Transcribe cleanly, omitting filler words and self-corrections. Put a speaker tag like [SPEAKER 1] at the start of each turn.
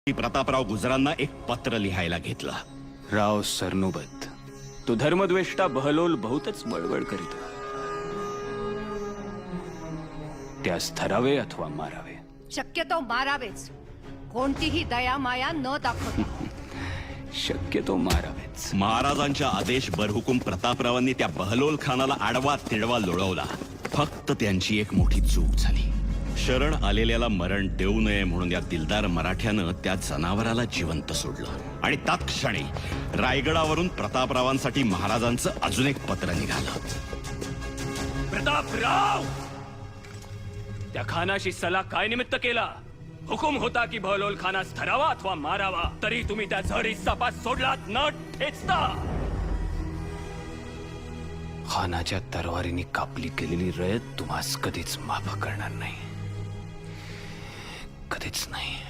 [SPEAKER 1] प्रतापराव गुजरांना एक पत्र लिहायला घेतलं.
[SPEAKER 2] राव सरनोबत, तो धर्मद्वेष्टा बहलोल बहुतच बळबळ करीत. त्यास धरावे अथवा मारावे.
[SPEAKER 3] शक्यतो मारावेच, कोणतीही दया माया न दाखवता.
[SPEAKER 2] शक्यतो मारावेच.
[SPEAKER 1] महाराजांच्या आदेश बरहुकूम प्रतापरावांनी त्या बहलोल खानाला आडवा तिडवा लोळवला. फक्त त्यांची एक मोठी चूक झाली. शरण आलेल्याला मरण देऊ नये म्हणून या दिलदार मराठ्यानं त्या जनावराला जिवंत सोडलं आणि तत्क्षणी रायगडावरून प्रतापरावांसाठी महाराजांचं अजून एक पत्र निघालं.
[SPEAKER 2] प्रतापराव, त्या खानाशी सल्ला काय निमित्त केला? हुकुम होता की बहलोल खानास धरावा अथवा मारावा, तरी तुम्ही त्या झरी सापात सोडलात न ठेचता. खानाच्या तरवारीने कापली गेलेली रयत तुम्हास कधीच माफ करणार नाही, कधीच नाही.